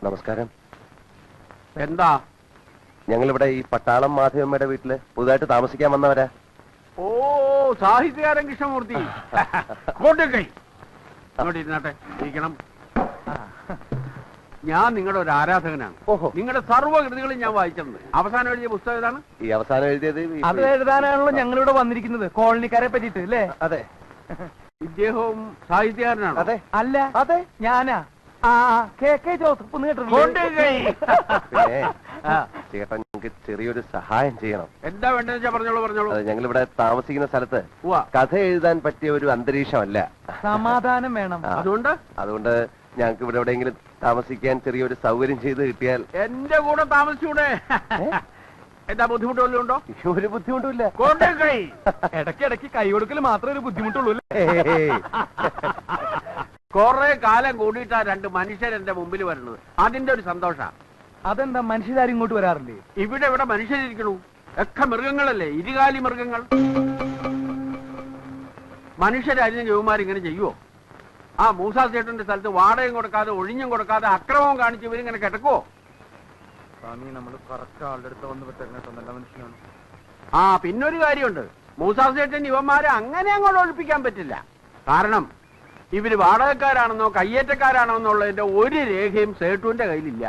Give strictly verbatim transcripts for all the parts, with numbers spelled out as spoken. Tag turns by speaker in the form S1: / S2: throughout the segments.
S1: നമസ്കാരം.
S2: എന്താ?
S1: ഞങ്ങളിവിടെ ഈ പട്ടാളം മാധവമ്മയുടെ വീട്ടില് പുതുതായിട്ട് താമസിക്കാൻ വന്നവരാ.
S2: ഓ, സാഹിത്യകാരൻ കൃഷ്ണമൂർത്തി. കൊണ്ടുകൈ ഇരുന്നാട്ടെ, ഇരിക്കണം. ഞാൻ നിങ്ങളുടെ ഒരു ആരാധകനാണ്.
S1: ഓഹോ.
S2: നിങ്ങളുടെ സർവ്വകൃതികളും ഞാൻ വായിച്ചിട്ടുണ്ട്. അവസാനം എഴുതിയ പുസ്തകം ഏതാണ്?
S1: ഈ അവസാനം എഴുതിയത്
S3: അത് എഴുതാനാണല്ലോ ഞങ്ങളിവിടെ വന്നിരിക്കുന്നത്, കോളനിക്കാരെ പറ്റിട്ട് അല്ലേ?
S1: അതെ.
S2: ഇദ്ദേഹവും സാഹിത്യകാരനാണ്.
S1: അതെ.
S3: അല്ല,
S1: അതെ,
S3: ഞാനാ. ആ കെ കെ ജോസഫ് ഒന്ന് കേട്ടിട്ടുണ്ട്.
S1: ചേട്ടാ, ഞങ്ങൾക്ക് ചെറിയൊരു സഹായം ചെയ്യണം.
S2: എന്താ വേണ്ടതെന്ന് വെച്ചാ പറഞ്ഞോളൂ പറഞ്ഞോളൂ.
S1: അതെ, ഞങ്ങളിവിടെ താമസിക്കുന്ന സ്ഥലത്ത്
S2: ഉവ്വ.
S1: കഥ എഴുതാൻ പറ്റിയ ഒരു അന്തരീക്ഷമല്ല.
S3: സമാധാനം വേണം.
S1: ആ.
S2: അതുകൊണ്ട്
S1: അതുകൊണ്ട് ഞങ്ങൾക്ക് ഇവിടെ എവിടെയെങ്കിലും താമസിക്കാൻ ചെറിയൊരു സൗകര്യം ചെയ്ത് കിട്ടിയാൽ.
S2: എന്റെ കൂടെ താമസിച്ചൂടെ? എന്താ ബുദ്ധിമുട്ട് വല്ലതും ഉണ്ടോ?
S1: ഒരു ബുദ്ധിമുട്ടുമില്ല.
S2: കൊണ്ടുകൈ.
S3: ഇടയ്ക്കിടയ്ക്ക് കൈ കൊടുക്കൽ മാത്രമേ ഒരു ബുദ്ധിമുട്ടുള്ളൂ.
S2: കൊറേ കാലം കൂടിയിട്ടാ രണ്ട് മനുഷ്യർ എന്റെ മുമ്പിൽ വരുന്നത്. അതിന്റെ ഒരു സന്തോഷ.
S3: അതെന്താ, മനുഷ്യരാരും ഇങ്ങോട്ട് വരാറില്ലേ?
S2: ഇവിടെ ഇവിടെ മനുഷ്യരിക്കണു. ഒക്കെ മൃഗങ്ങളല്ലേ, ഇരുകാലി മൃഗങ്ങൾ. മനുഷ്യരായിരുന്നു ജവുമാരിങ്ങനെ ചെയ്യുവോ? ആ മൂസാ ചേട്ടന്റെ സ്ഥലത്ത് വാടകയും കൊടുക്കാതെ ഒഴിഞ്ഞും കൊടുക്കാതെ അക്രമവും കാണിച്ച് ഇവരിങ്ങനെ കിടക്കുവോ?
S3: സ്വാമി, നമ്മൾ കറക്റ്റ് ആളുടെ അടുത്ത് വന്ന് വിട്ടേക്കണ നല്ല മനുഷ്യനാണ്.
S2: ആ, പിന്നൊരു കാര്യമുണ്ട്. മൂസാ ചേട്ടൻ ഇവന്മാരെ അങ്ങനെ അങ്ങോട്ട് ഒഴിപ്പിക്കാൻ പറ്റില്ല. കാരണം ഇവര് വാടകക്കാരാണെന്നോ കയ്യേറ്റക്കാരാണോ എന്നുള്ളതിന്റെ ഒരു രേഖയും സേട്ടുവിന്റെ കയ്യിലില്ല.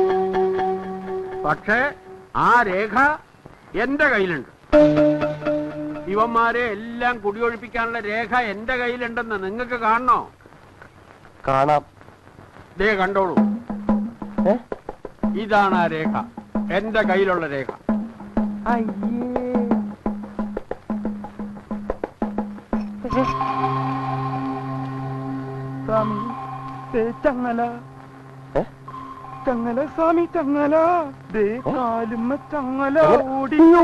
S2: പക്ഷേ ആ രേഖ എന്റെ കയ്യിലുണ്ട്. ഇവന്മാരെ എല്ലാം കുടിയൊഴിപ്പിക്കാനുള്ള രേഖ എന്റെ കയ്യിലുണ്ടെന്ന് നിങ്ങൾക്ക് കാണണോ?
S1: കാണാം.
S2: ദേ കണ്ടോളൂ. ഇതാണ് ആ രേഖ, എന്റെ കയ്യിലുള്ള രേഖ.
S3: സ്വാമി, ചങ്ങല ചങ്ങല സ്വാമി, ചങ്ങല ദേ കാലുമ്മ ചങ്ങല ഓടിയോ.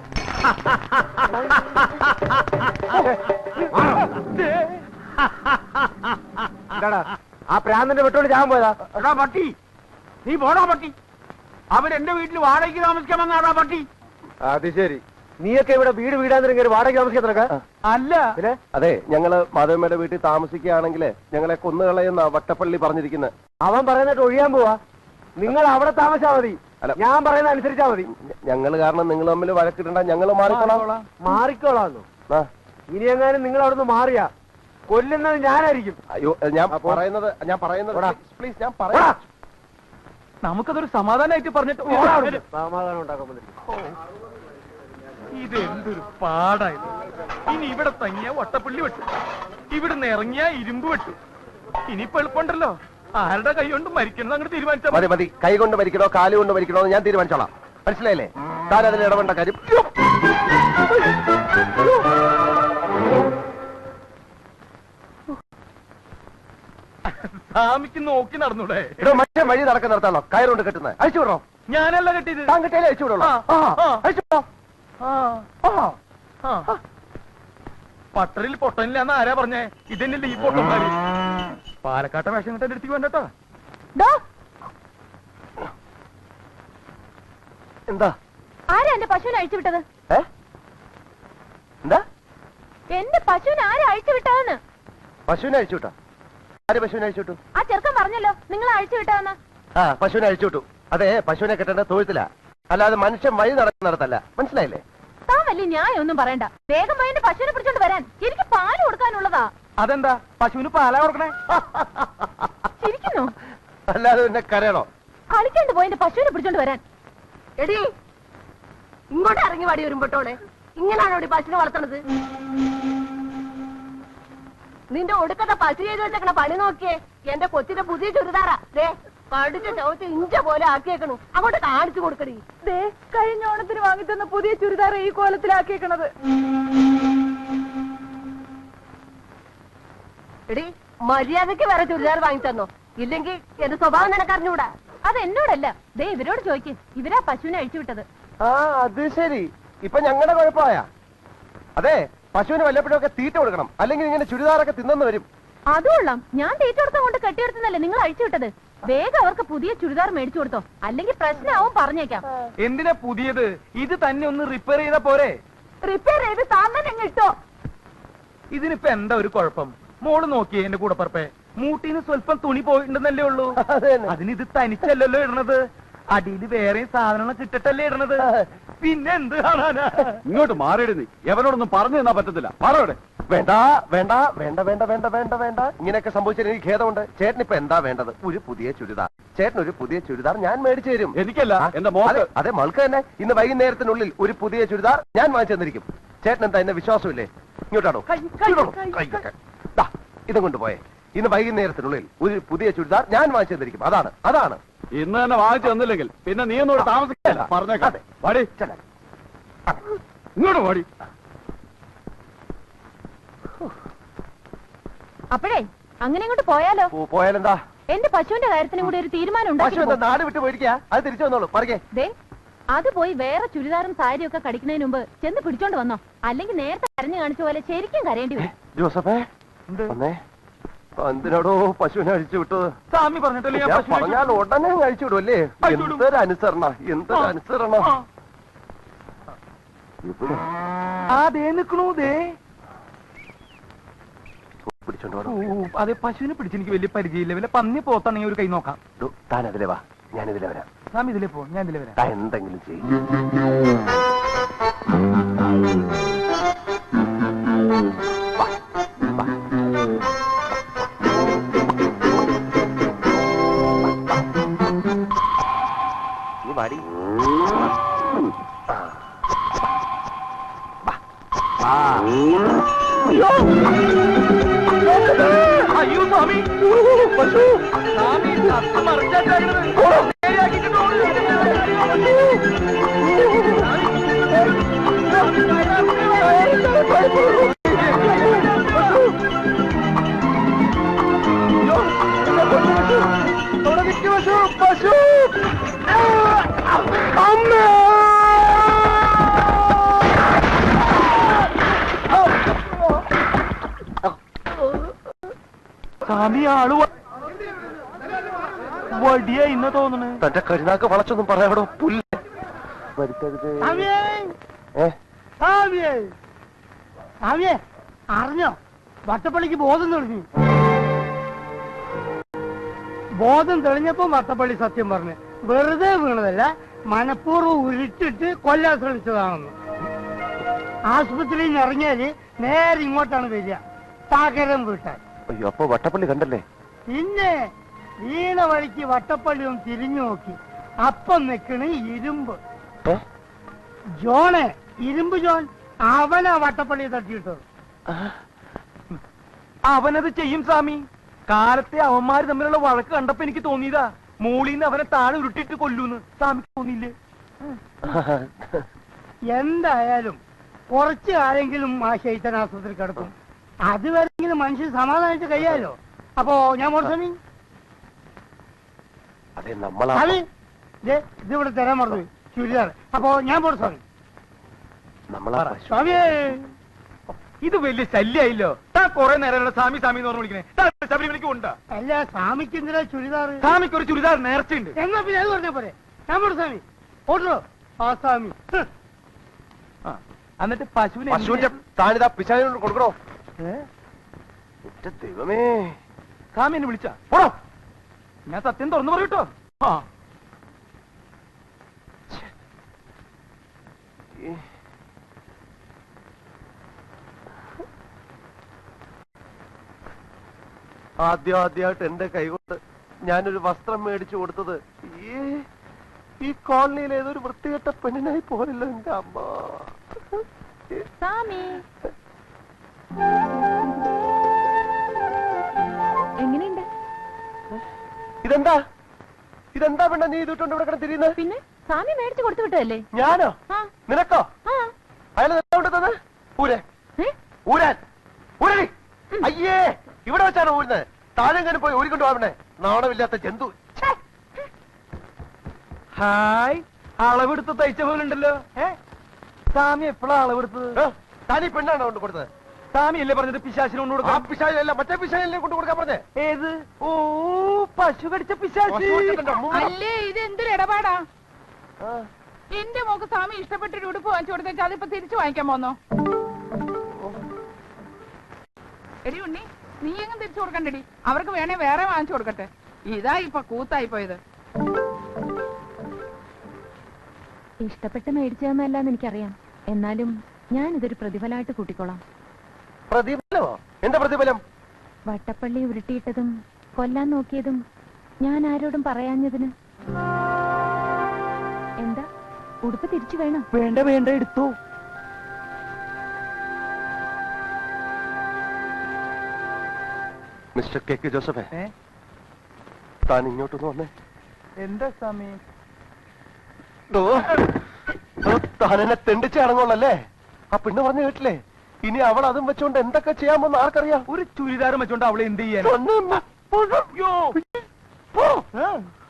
S1: ആ പ്രാന്തന്റെ വെട്ടോട് ഞാൻ പോയതാ.
S2: എടാ പട്ടി, നീ പോടാ പട്ടി. അവരെന്റെ വീട്ടിൽ വാടകയ്ക്ക് താമസിക്കാൻ വന്നാടാ പട്ടി.
S1: അത് ശരി. നീയൊക്കെ ഇവിടെ വീട് വീടാൻ വാടക താമസിക്കാത്ര?
S3: അല്ല,
S1: അതെ, ഞങ്ങള് മാധവമ്മയുടെ വീട്ടിൽ താമസിക്കുകയാണെങ്കിൽ ഞങ്ങളെ കൊന്നുകളയുന്ന വട്ടപ്പള്ളി പറഞ്ഞിരിക്കുന്നത്.
S4: അവൻ പറയുന്നിട്ട് ഒഴിയാൻ പോവാ. നിങ്ങൾ അവിടെ താമസിച്ചാ മതി.
S1: അല്ല,
S4: ഞാൻ പറയുന്ന അനുസരിച്ചാ മതി.
S1: ഞങ്ങള് കാരണം നിങ്ങൾ തമ്മിൽ വഴക്കിടണ്ട, ഞങ്ങള് മാറിക്കോളാം.
S4: മാറിക്കോളാന്നു. ഇനി എങ്ങാനും നിങ്ങൾ അവിടുന്ന് മാറിയാ കൊല്ലുന്നത് ഞാനായിരിക്കും.
S1: അയ്യോ, ഞാൻ പറയുന്നത് ഞാൻ പറയുന്നത് പ്ലീസ്, ഞാൻ പറയാം.
S3: നമുക്കതൊരു സമാധാനമായിട്ട് പറഞ്ഞിട്ട്
S4: സമാധാനം ഉണ്ടാക്കാൻ
S3: ഇത് എന്തൊരു പാടായത്. ഇനി ഇവിടെ തങ്ങിയ വട്ടപ്പള്ളി വെട്ടു, ഇവിടുന്ന് ഇറങ്ങിയ ഇരുമ്പ് വെട്ടു. ഇനിയിപ്പോ എളുപ്പമുണ്ടല്ലോ, ആരുടെ കൈ കൊണ്ട് മരിക്കണം അങ്ങോട്ട് തീരുമാനിച്ചാൽ
S1: മതി. മതി, കൈ കൊണ്ട് മരിക്കണോ കാല് കൊണ്ട് മരിക്കണോ ഞാൻ തീരുമാനിച്ചോളാം. മനസ്സിലായില്ലേ? താൻ അതിൽ ഇടപെടേണ്ട കാര്യം.
S3: സ്വാമിക്ക് നോക്കി നടന്നൂടെ?
S1: ഇവിടെ മറ്റേ വഴി നടക്കാൻ നിർത്താണോ കയറുകൊണ്ട് കെട്ടുന്നത്? അഴിച്ചു വിടണോ?
S3: ഞാനല്ല കെട്ടിയത്.
S1: താൻ കെട്ടിയാലേ അഴിച്ചു വിടണോ? അഴിച്ചു വിടോ?
S3: പട്ടറിൽ പൊട്ടനില്ലാന്ന് ആരാ പറഞ്ഞേ? ഇതന്നെയല്ലേ ഈ പൊട്ടന്മാര്. പാലക്കാട്ടെ വേഷം കിട്ടാൻ എടുത്തേക്ക് വേണ്ടട്ടോ.
S1: എന്താ?
S5: ആരാ എന്റെ പശുവിനെ അഴിച്ചു വിട്ടത്?
S1: എന്താ?
S5: എന്റെ പശുവിനെ ആരാ അഴിച്ചു വിട്ടതെന്ന്?
S1: പശുവിനെ അഴിച്ചു വിട്ടോ? ആര് പശുവിനെ അഴിച്ചു വിട്ടു?
S5: ആ ചെറുക്കൻ പറഞ്ഞല്ലോ നിങ്ങൾ അഴിച്ചു വിട്ടതെന്ന്.
S1: ആ, പശുവിനെ അഴിച്ചു വിട്ടു. അതെ, പശുവിനെ കെട്ടേണ്ട തൊഴുത്തില്ല, അല്ലാതെ മനുഷ്യൻ വഴി നടക്കുന്നിടത്തല്ല. മനസ്സിലായില്ലേ?
S5: താൻ വലിയ ന്യായം ഒന്നും പറയണ്ട. വേഗം പോയി എന്റെ പശുവിനെ പിടിച്ചോണ്ട് വരാൻ. എനിക്ക് പാല് കൊടുക്കാനുള്ളതാ.
S3: അതെന്താ പശുവിന് പാലാ കൊടുക്കണേ?
S5: ചിരിക്കുന്നു.
S1: അല്ലാതെ പിന്നെ കരയണോ?
S5: കളിക്കാണ്ട് പോയി എന്റെ പശുവിനെ പിടിച്ചോണ്ട് വരാൻ.
S6: എടി, ഇങ്ങോട്ട് ഇറങ്ങി വടി വരുമ്പോട്ടോടെ. ഇങ്ങനാണോ പശുവിനെ വളർത്തണത്? നിന്റെ ഒടുക്കത്തെ പശു ചെയ്ത് വെച്ചേക്കണ പണി നോക്കിയേ. എന്റെ കൊച്ചിന്റെ പുതിയ ചുരിദാറാ. ദേ കടിച്ച ചവിട്ടി ഇഞ്ച പോലെ ആക്കിയേക്കണു. അങ്ങോട്ട് കാണിച്ചു കൊടുക്കടി.
S5: ദേ കഴിഞ്ഞ ഓണത്തിന് വാങ്ങിത്തന്ന പുതിയ ചുരിദാർ ഈ കോലത്തിലാക്കിയേക്കണത്.
S6: എടി, മര്യാദക്ക് വേറെ ചുരിദാർ വാങ്ങി തന്നോ? ഇല്ലെങ്കിൽ എന്റെ സ്വഭാവം നിനക്കറിഞ്ഞൂടാ.
S5: അത് എന്നോടല്ല, ദേ ഇവരോട് ചോദിക്കും. ഇവരാ പശുവിനെ അഴിച്ചു വിട്ടത്.
S1: ആ, അത് ശരി. ഇപ്പൊ ഞങ്ങളുടെ കുഴപ്പമായ. അതെ, പശുവിന് വല്ലപ്പോഴൊക്കെ തീറ്റ കൊടുക്കണം, അല്ലെങ്കിൽ ഇങ്ങനെ ചുരിദാറൊക്കെ തിന്നെന്ന് വരും.
S5: അതുകൊള്ളാം. ഞാൻ തീറ്റ കൊടുത്തം കൊണ്ട് കെട്ടിയെടുത്തല്ലേ നിങ്ങൾ അഴിച്ചു വിട്ടത്. വേഗം അവർക്ക് പുതിയ ചുരിദാർ മേടിച്ചു കൊടുത്തോ, അല്ലെങ്കിൽ പ്രശ്നമാവും. പറഞ്ഞേക്കാം.
S3: എന്തിനാ പുതിയത്? ഇത് തന്നെ ഒന്ന് റിപ്പയർ ചെയ്താ പോരെ?
S5: റിപ്പയർ ചെയ്ത് താൻ തന്നെ ഇട്ടോ.
S3: ഇതിനിപ്പോ എന്താ ഒരു കുഴപ്പം? മോള് നോക്കിയേ എന്റെ കൂടെ പറപ്പേ. മൂട്ടിന്ന് സ്വല്പം തുണി പോയിട്ടുണ്ടെന്നല്ലേ ഉള്ളൂ.
S1: അത് തന്നെ.
S3: അതിന് ഇത് തനിച്ചല്ലല്ലോ ഇടണത്, അടിയിൽ വേറെയും സാധനങ്ങൾ കിട്ടട്ടല്ലേ ഇടണത്. പിന്നെ എന്ത് കാണാനാ?
S2: ഇങ്ങോട്ട് മാറിയിടുന്നു. എവനോടൊന്നും പറഞ്ഞു തന്നാ പറ്റത്തില്ല. മാറവിടെ.
S1: വേണ്ട വേണ്ട വേണ്ട വേണ്ട വേണ്ട വേണ്ട വേണ്ട ഇങ്ങനെയൊക്കെ സംഭവിച്ചാൽ എനിക്ക് ഖേദമുണ്ട്. ചേട്ടൻ ഇപ്പൊ എന്താ വേണ്ടത്? ഒരു പുതിയ ചുരിദാർ. ചേട്ടൻ ഒരു പുതിയ ചുരിദാർ ഞാൻ മേടിച്ചു തരും.
S2: എനിക്കല്ല,
S1: ആ,
S2: എന്റെ മോൾക്ക്.
S1: അതെ, അതെ മൾക്ക് തന്നെ. ഇന്ന് വൈകുന്നേരത്തിനുള്ളിൽ ഒരു പുതിയ ചുരിദാർ ഞാൻ വാങ്ങിച്ചു തന്നിരിക്കും. ചേട്ടൻ എന്താ എന്നെ വിശ്വാസമില്ലേ? ഇങ്ങോട്ടാണോ? ഇതും കൊണ്ടുപോയേ. ഇന്ന് വൈകുന്നേരത്തിനുള്ളിൽ ഒരു പുതിയ ചുരിദാർ ഞാൻ വാങ്ങിച്ചു തന്നിരിക്കും. അതാണ് അതാണ്
S2: ഇന്ന് തന്നെ വാങ്ങിച്ചു തന്നില്ലെങ്കിൽ പിന്നെ നീ ഒന്നും താമസിക്കില്ല. പറഞ്ഞേക്കാം. വാടി, ഇങ്ങോട്ട് വാടി.
S5: അപ്പോഴേ അങ്ങനെ ഇങ്ങോട്ട് പോയാലോ?
S1: ഓ, പോയാലെന്താ?
S5: എന്റെ പശുവിന്റെ കാര്യത്തിനും കൂടി ഒരു തീരുമാനം
S1: പശു എന്താ
S5: ഉണ്ടാക്കി.
S1: നാട് വിട്ട് പോയിരിക്കാ? അത് തിരിച്ചു വന്നോളൂ. പറയേ.
S5: ദേ അത് പോയി വേറെ ചുരിദാറും സാരിയും ഒക്കെ കടിക്കുന്നതിന് മുമ്പ് ചെന്ന് പിടിച്ചോണ്ട് വന്നോ, അല്ലെങ്കിൽ നേരത്തെ കരഞ്ഞു കാണിച്ച പോലെ ശരിക്കും കരയേണ്ടി വരും.
S1: ജോസഫേ വന്നേ. എന്തിനാടോ പശുവിനെ അഴിച്ചു വിട്ടത്?
S3: സ്വാമി പറഞ്ഞിട്ടല്ലേ ഞാൻ
S1: ഞാൻ
S3: പശുവിനെ
S1: പറഞ്ഞാൽ ഉടനെ അഴിച്ചു വിടും അല്ലേ?
S3: അഴിച്ചു വിടും.
S1: എന്തൊരു അനുസരണ, എന്തൊരു അനുസരണ.
S3: ആ.
S1: ഇവിടെ
S3: ആ ദേ നിക്കണു ദേ.
S1: പിടിച്ചോണ്ട്
S3: ഓ,
S1: വേണം.
S3: അതെ പശുവിനെ പിടിച്ചെനിക്ക് വലിയ പരിചയമില്ല. വല്ല പന്നി പോത്താണെങ്കിൽ ഒരു കൈ നോക്കാം.
S1: ഡോ, താൻ അതിലെ വാ, ഞാൻ ഇതിലെ വരാം.
S3: സ്വാമി ഇതിലേ പോ, ഞാൻ ഇതിലേ വരാം.
S1: താൻ എന്തെങ്കിലും ചെയ്യും. വാടി.
S3: അയ്യോ സ്വാമി, പശു സ്വാമി സത്യം മറിച്ചാട്ടായിരുന്നത്.
S1: പശു അമ്മ
S3: സ്വാമി ആള് വടിയ ഇന്ന തോന്നണേ.
S1: തന്റെ കരുനാക്ക് വളച്ചൊന്നും പറയാടോ. പുല്ല് വരുത്തരുത്. ഏ
S4: അറിഞ്ഞോ വട്ടപ്പള്ളിക്ക് ബോധം തെളിഞ്ഞു. ബോധം തെളിഞ്ഞപ്പോ വട്ടപ്പള്ളി സത്യം പറഞ്ഞു. വെറുതെ വീണതല്ല, മനഃപൂർവ്വം ഉരുട്ടിട്ട് കൊല്ലാൻ ശ്രമിച്ചതാണെന്ന്. ആശുപത്രിയിൽ നിന്ന് ഇറങ്ങിയാല് നേരെ ഇങ്ങോട്ടാണ് വരിക, പകരം വീട്ടാൻ.
S1: അയ്യോ, അപ്പൊ വട്ടപ്പള്ളി കണ്ടല്ലേ?
S4: പിന്നെ വീണ വഴിക്ക് വട്ടപ്പള്ളി ഒന്ന് തിരിഞ്ഞു നോക്കി. അപ്പം നിക്കണ് ഇരുമ്പ്
S1: ഏ?
S4: ജോണേ, ഇരുമ്പ് ജോൺ. അവനാ വട്ടപ്പള്ളി തട്ടിയിട്ടത്.
S3: അവനത് ചെയ്യും സ്വാമി. കാലത്തെ അവന്മാര് തമ്മിലുള്ള വഴക്ക് കണ്ടപ്പോ എനിക്ക് തോന്നിയതാ മൂളിന്ന് അവനെ താഴെ ഉരുട്ടിട്ട് കൊല്ലൂന്ന്. സ്വാമിക്ക് തോന്നിയില്ലേ?
S4: എന്തായാലും കുറച്ചു കാലെങ്കിലും ആ ശൈത്തൻ ആശുപത്രി കിടക്കും. അതുവരെങ്കിലും മനുഷ്യൻ സമാധാനിച്ച് കഴിയാലോ. അപ്പോ ഞാൻ മോർസമി
S1: അതെ നമ്മളാ.
S4: അത് ഇതിവിടെ തരാൻ മറന്നു ചുരിദാർ. അപ്പോ ഞാൻ മോർസമി
S1: നമ്മളാ പശു.
S4: സ്വാമിയേ.
S3: ഇത് വലിയ ശല്യായില്ലോ. താ കൊറേ നേരം സ്വാമി സ്വാമി എന്ന് പറഞ്ഞു വിളിക്കണേ. താ ശബരിമലയ്ക്ക് ഉണ്ടാ.
S4: അല്ല, സ്വാമിക്ക് എന്തിനാ ചുരിദാർ?
S3: സ്വാമിക്ക് ഒരു ചുരിദാർ നേർച്ചയുണ്ട്.
S4: എന്നാ പിന്നെ അത് പറഞ്ഞാ പോരെ. ഞാൻ മോർസമി ഓട്ടോ ആ സ്വാമി.
S3: ആ, എന്നിട്ട് പശുവിനെ
S1: പശുവിന്റെ താനിതാ പിശാചിനോട് കൊടുക്കണോ? എന്റെ ദൈവമേ.
S3: സ്വാമി എന്നെ വിളിച്ചാ പോടോ. ഞാൻ സത്യം തുറന്നു പറയൂട്ടോ. ആ
S1: ആദ്യം ആദ്യമായിട്ട് എന്റെ കൈകൊണ്ട് ഞാനൊരു വസ്ത്രം മേടിച്ചു കൊടുത്തത് ഈ ഈ കോളനിയിൽ ഏതൊരു വൃത്തികെട്ട പെണ്ണിനായി പോയല്ലോ എന്റെ അമ്മ.
S5: സ്വാമി എങ്ങനെയുണ്ട്?
S1: ഇതെന്താ ഇതെന്താ പെണ്ണ നീ ഇതിട്ടുണ്ട് ഇവിടെ കിടന്ന് തിരിയുന്നത്?
S5: പിന്നെ സ്വാമി മേടിച്ചു കൊടുത്തു വിട്ടതല്ലേ?
S1: ഞാനോ?
S5: ആ
S1: നിനക്കോ?
S5: ആ
S1: അയാൾ കൊണ്ടത് ഊരെ
S5: ഏ?
S1: ഊരാൻ ഊരടി. അയ്യേ, ഇവിടെ വെച്ചാണ് ഊരുന്നത്. താഴെങ്ങനെ പോയി ഊരിക്കൊണ്ട് പോവണേ, നാണമില്ലാത്ത ജന്തു.
S3: ഹായ്, അളവെടുത്ത് തയ്ച്ച പോലെ ഉണ്ടല്ലോ. ഏ സ്വാമി എപ്പോഴാ അളവെടുത്തത്?
S1: താനീ പെണ്ണാണോ കൊണ്ട് കൊടുത്തത്?
S3: സ്വാമി അല്ലേ പറഞ്ഞത് പിശാചിനെ കൊണ്ട്
S1: ആ
S3: കൊടുക്കാം?
S1: പിശാചല്ല, മറ്റേ പിശാചല്ലേ കൊണ്ട് കൊടുക്കാൻ പറഞ്ഞേ.
S3: ഏത്? ഓ, പശു കടിച്ച പിശാചി.
S7: അല്ലേ ഇത് എന്തൊരു ഇടപാടാ?
S1: ആ.
S7: എന്റെ മോക്ക് സ്വാമി ഇഷ്ടപ്പെട്ടൊരു ഉടുപ്പ് വാങ്ങിച്ചു കൊടുത്തേച്ചാ അതിപ്പോ തിരിച്ചു വാങ്ങിക്കാൻ പോന്നോ? എടി ഉണ്ണി, നീ എങ്ങും തിരിച്ചു കൊടുക്കണ്ടടി. അവർക്ക് വേണേ വേറെ വാങ്ങിച്ചു കൊടുക്കട്ടെ. ഇതാ ഇപ്പൊ കൂത്തായി പോയത്.
S5: ഇഷ്ടപ്പെട്ട് മേടിച്ചതെന്നല്ലാന്ന് എനിക്കറിയാം. എന്നാലും ഞാൻ ഇതൊരു പ്രതിഫലമായിട്ട് കൂട്ടിക്കോളാം.
S1: പ്രതിഫലമോ? എന്താ പ്രതിഫലം?
S5: വട്ടപ്പള്ളി ഉരുട്ടിയിട്ടതും കൊല്ലാൻ നോക്കിയതും ഞാൻ ആരോടും പറയാഞ്ഞതിന്. എന്താ ഉടുപ്പ് തിരിച്ചു വേണം?
S3: വേണ്ട വേണ്ട, എടുത്തോ.
S1: മിസ്റ്റർ കെ കെ ജോസഫേ, താൻ ഇങ്ങോട്ടൊന്ന് വന്നേ.
S3: എന്താ സ്വാമി?
S1: ദോ, ദോ, താൻ എന്നെ തെണ്ടിച്ച് അടങ്ങുള്ളല്ലേ? ആ പെണ്ണ് പറഞ്ഞു കേട്ടില്ലേ? ഇനി അവൾ അതും വെച്ചോണ്ട് എന്തൊക്കെ ചെയ്യാമെന്ന് ആർക്കറിയാം?
S3: ഒരു ചുരിദാർ വെച്ചോണ്ട് അവളെ എന്ത് ചെയ്യാൻ?
S1: ഒന്ന് പോ.